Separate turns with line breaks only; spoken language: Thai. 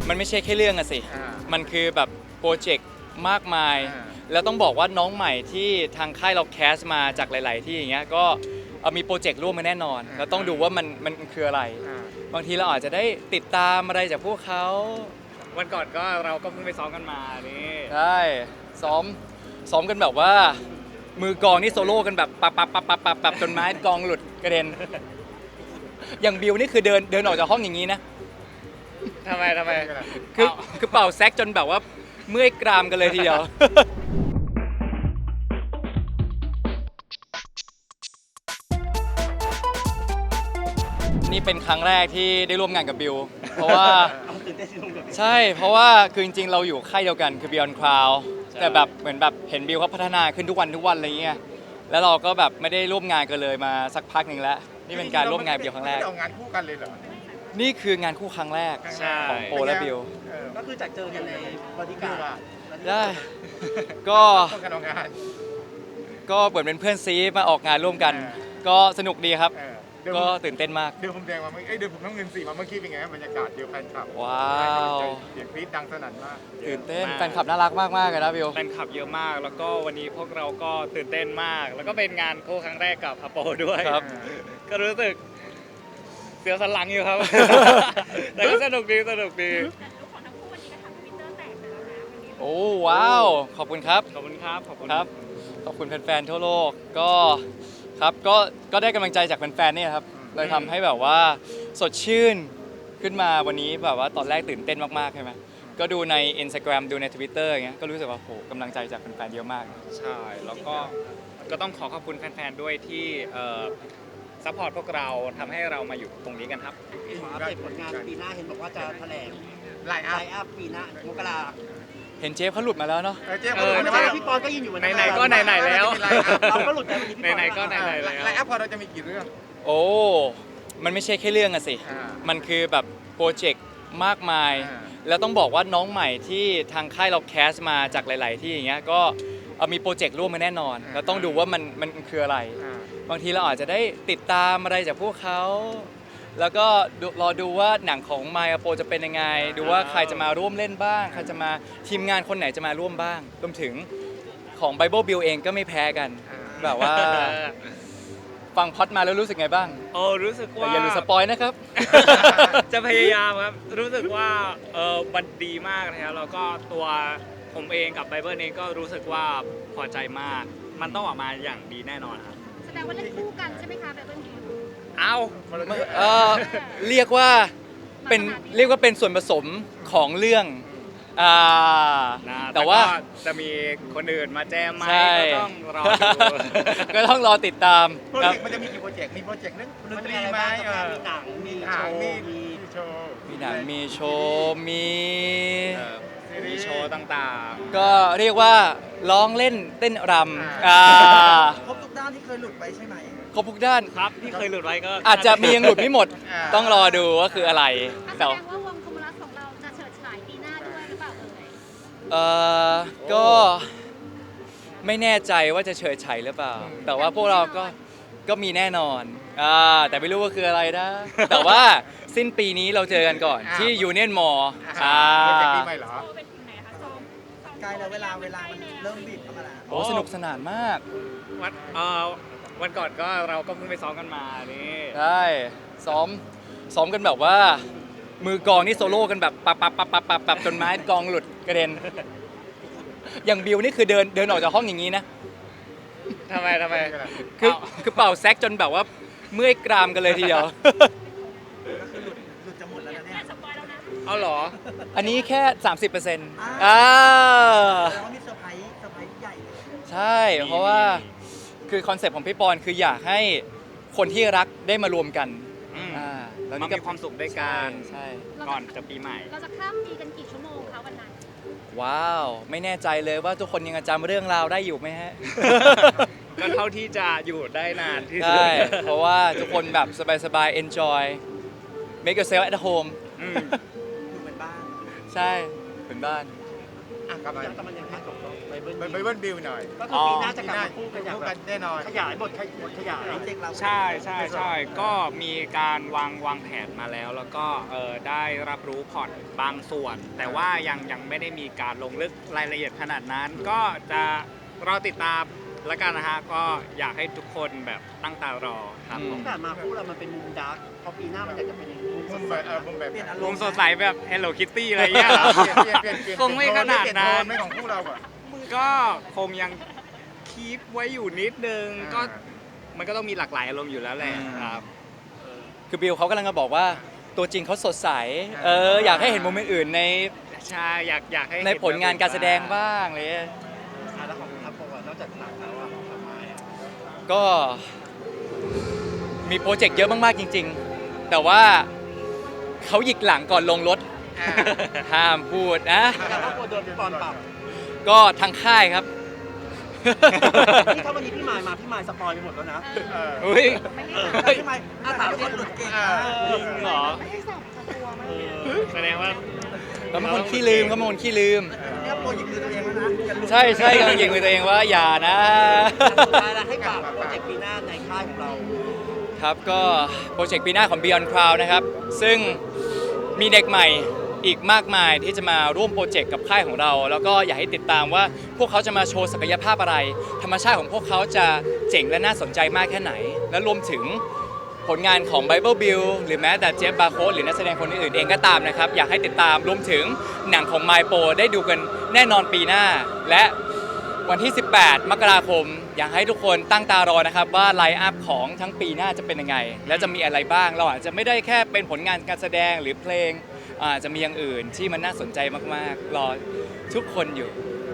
มันไม่ใช่แค่เรื่องอะสิมันคือแบบโปรเจกต์มากมายแล้วต้องบอกว่าน้องใหม่ที่ทางค่ายเราแคสมาจากหลายๆที่อย่างเงี้ยก็มีโปรเจกต์ร่วมมาแน่นอนแล้วต้องดูว่ามันคืออะไรบางทีเราอาจจะได้ติดตามอะไรจากพวกเขา
วันก่อนก็เราก็เพิ่งไปซ้อมกันมานี่
ใช่ซ้อมกันแบบว่ามือกองนี่โซโล่กันแบบปับจนไม้กองหลุดกระเด็นอย่างบิวนี่คือเดินออกจากห้องอย่างนี้นะ
ทำไม
คือเป่าแซกจนแบบว่าเมื่อยกรามกันเลยทีเดียว นี่เป็นครั้งแรกที่ได้ร่วมงานกับบิวเพราะว่าใช่เพราะว่าคือจริงๆเราอยู่ค่ายเดียวกันคือ Beyond Cloud แต่แบบเหมือนแบบเห็นบิวเขาพัฒนาขึ้นทุกวันอะไรเงี้ยแล้วเราก็แบบไม่ได้ร่วมงานกันเลยมาสักพักหนึ่งแล้วนี่เป็นการร่วมงานบิวครั้งแรก
ไม่ได้ออกงานคู่กันเลยเหรอ
นี่คืองานคู่ครั้งแรกของโปและบิว
ก็คือจากเจอกันในบอดี้การ์ด
ได้ก็
การออกงาน
ก็เหมือนเป็นเพื่อนซีมาออกงานร่วมกันก็สนุกดีครับก็ตื่นเต้นมาก
เดือผมแดงมาเดือผมน้ำเงินสีมาเมื่อกี้เป็นไงบรรยากาศเดียวแฟนคลับ
ว้าว
เสียงกรี๊ดดังสนั่นมาก
ตื่นเต้นแฟนคลับน่ารักมากๆเลยนะบิว
แฟนคลับเยอะมากแล้วก็วันนี้พวกเราก็ตื่นเต้นมากแล้วก็เป็นงานคู่ครั้งแรกกับอโปด้วย
ครับ
ก็รู้สึกเสียวสันหลังอยู่ครับ แต่ก็สนุกดี
โอ้ว้าวขอบคุณครับ
ขอบคุณครับ
ขอบคุณแฟนๆทั่วโลกก็ครับก็ได้กำลังใจจากแฟนๆนี่ครับเลยทำให้แบบว่าสดชื่นขึ้นมาวันนี้แบบว่าตอนแรกตื่นเต้นมากๆใช่ไหมก็ดูใน Instagram ดูใน Twitter อย่างเงี้ยก็รู้สึกว่าโหกำลังใจจากแฟนๆเยอะมาก
ใช่แล้วก็ต้องขอบคุณแฟนๆด้วยที่ซัพพอร์ตพวกเราทำให้เรามาอยู่ตรงนี้กันครับ
ขออัปเดตผลงานปีหน้าเห็นบอกว่าจะแถลง
ไลน์
อัพปีหน้ามกรา
เห็นเจฟเขาหลุดมาแล้วเนาะ
พี่ปอนก็ยืนอยู่
ไหนๆก็ไหนๆแล้ว
เราก็หลุดไป
ไหนๆก็ไหนๆแล้ว
ไลน์อัพพอเราจะมีกี่เรื่อง
โอ้มันไม่ใช่แค่เรื่องอะสิมันคือแบบโปรเจกต์มากมายแล้วต้องบอกว่าน้องใหม่ที่ทางค่ายเราแคสมาจากหลายๆที่อย่างเงี้ยก็มีโปรเจกต์ร่วมมาแน่นอนแล้วต้องดูว่ามันคืออะไรบางทีเราอาจจะได้ติดตามอะไรจากพวกเขาแล้วก็รอดูว่าหนังของมายาโปจะเป็นยังไงดูว่าใครจะมาร่วมเล่นบ้างใครจะมาทีมงานคนไหนจะมาร่วมบ้างรวมถึงของ Bible Bill เองก็ไม่แพ้กันแบบว่าฟังพอดมาแล้วรู้สึกไงบ้าง
รู้สึกว่า
อย่าลืมสปอยนะครับ
จะพยายามครับรู้สึกว่ามันดีมากนะครับแล้วก็ตัวผมเองกับไบเบิลเองก็รู้สึกว่าพอใจมากมันต้องออกมาอย่างดีแน่นอนครับ
แสดงว่าเล่นคู่กันใช่ไหมคะไบเบิล
เรียกว่าเป็นส่วนผสมของเรื่อง
แต่ว่าจะมีคนอื่นมาแจมไหม
ก็ต้องรอติดตาม
โปรเจกต์มันจะมีกี่โปรเจกต์มีโปรเจกต์นึงดนตรีไหม
มีหนังมีโชว์
มีหนังมีโชว์มี
โชว์ต่าง
ๆก็เรียกว่าร้องเล่นเต้นรำ
ครบทุกด้านที่เคยหลุดไปใช่ไหม
ครบทุกด้าน
ครับที่เคยหลุดไว้ก็
อาจจะมียังหลุดไม่หมดต้องรอดูว่าคืออะไร
แสดงว่าวงคอมมูลัสของเราจะเฉิดฉายปีหน้าด้วยหรือเปล่า
ก็ไม่แน่ใจว่าจะเฉิดฉายหรือเปล่าแต่ว่าพวกเราก็มีแน่นอนแต่ไม่รู้ว่าคืออะไรนะแต่ว่าสิ้นปีนี้เราเจอกันก่อนที่ยูเนียนมอลล์
โปรเจกต์ปีใหม่เหรอ
ใกล้แล้วเวลามันเริ่มบีบเข้ามาแล้ว
โอ้สนุกสนานมาก
วันก่อนก็เราก็เพิ่งไปซ้อมกันมานี่
ใช่ซ้อมกันแบบว่ามือกองนี่โซโล่กันแบบปับจนไม้กองหลุดกระเด็นอย่างบิวนี่คือเดินออกจากห้องอย่างนี้นะ
ทำไม
คือเป่าแซกจนแบบว่าเมื่อยกรามกันเลยทีเดียว
ก็คือหลุดจะหมดแล้วนะเนี่ย
เอาเหรอ
อันนี้แค่ 30%
แล้วมีเซอร์ไพรส์ใหญ่
ใช่เพราะว่าคือคอนเซ็ปต์ของพี่ปอนคืออยากให้คนที่รักได้มารวมกัน
แล้วมีความสุขด้วยกัน
ใช่
ก่อนจะปีใหม่
เราจะข้ามปีกันกี่ชั่วโมงคะวันนั้น
ว้าวไม่แน่ใจเลยว่าทุกคนยังจำเรื่องราวได้อยู่ไหมฮะ
ก็เท่าที่จะอยู่ได้นานที่สุด
ใช่เพราะว่าทุกคนแบบสบายๆ enjoy make yourself at home
อยู่เหมือนบ้าน
ใช่เหมือนบ้าน
อ่ะกลับมา
แต่มันยังพักกับไบเบิล
ไบเบิลบิลหน่อย
ก็คือปีหน้าจะกลับมาคู่กันอย่าง
คู่
แบ
กับ นแน่นอน
ขยายบทขยาย
โปรเจกต์เรา
ใช่ใช่ใช่ก็มีการวางแผนมาแล้ว แล้วก็ได้รับรู้พล็อร์ตบางส่วน แต่ว่ายังไม่ได้มีการลงลึกรายละเอียดขนาดนั้น ก็จะรอติดตามแล้วกันนะฮะก็อยากให้ทุกคนแบบตั้งตารอครับผม
ที่ผ่านมาคู่เรามันเป็นมุมดาร์กพอปีหน้ามันอยากจะเป็นมุมส
มุ
ด
ม
ใส
แบบมุมแบบ
เปลี่ยนอาร
ล
ม
ง
ณ์
สดใสแบบ Hello Kitty อะไรเงี้ยเหรอ
เปลี่ยน
คงไม่ขนาดนั้น
ไม่ของคู่เราอ่ะ
ก็คงยังคีปไว้อยู่นิดนึงก็มันก็ต้องมีหลากหลายอารมณ์อยู่แล้วแหละครับ
คือบิลเขากำลังจะบอกว่าตัวจริงเขาสดใสอยากให้เห็นโมเมนต์อื่นใน
ใช่อยากให้
ในผลงานการแสดงบ้างเลย
อ่ะแล้วของทัพโปะนอกจากหนังแล้วอะทำไมอะ
ก็มีโปรเจกต์เยอะมากๆจริง ๆ แต่ว่าเขาหยิกหลังก่อนลงรถ ห้ามพูดนะ
แต่ทัพโปะโดนพี่ปอนปรับ
ก็ทางค่ายครับ
นี่ถ้าวันนี้พี่มายมาพี่มายสปอยไปหมดแล้วนะ
อุ้ย
พี่ไมค์ถามคนหลุดเก่งนะ
จริงเหรอ
ไม่ให้สับตัวมัน
แสดงว่า
เขาเป็นคนขี้ลืมเขาเป็นคนขี้ลืม
เนี่ยโปรยิงมือตัวเองแล้วนะอย่าหลุด
ใช่ใช่กำลังยิงมือตัวเองว่าอย่านะ
สุดท้ายแล้วให้ฝากโปรเจกต์ปีหน้าในค่ายของเรา
ครับก็โปรเจกต์ปีหน้าของ Beyond Cloud นะครับ ซึ่งมีเด็กใหม่อีกมากมายที่จะมาร่วมโปรเจกต์กับค่ายของเรา แล้วก็อยากให้ติดตามว่าพวกเขาจะมาโชว์ศักยภาพอะไร ธรรมชาติของพวกเขาจะเจ๋งและน่าสนใจมากแค่ไหน และรวมถึงผลงานของ Bible Bill หรือแม้แต่เจฟบาโคสหรือนักแสดงคนอื่นๆเองก็ตามนะครับ อยากให้ติดตามรวมถึงหนังของ My Pro ได้ดูกันแน่นอนปีหน้า และวันที่ 18 มกราคม อยากให้ทุกคนตั้งตารอนะครับว่าไลน์อัพของทั้งปีหน้าจะเป็นยังไง และจะมีอะไรบ้าง เราอาจจะไม่ได้แค่เป็นผลงานการแสดงหรือเพลงอาจจะมีอย่างอื่นที่มันน่าสนใจมากๆ รอทุกคนอยู่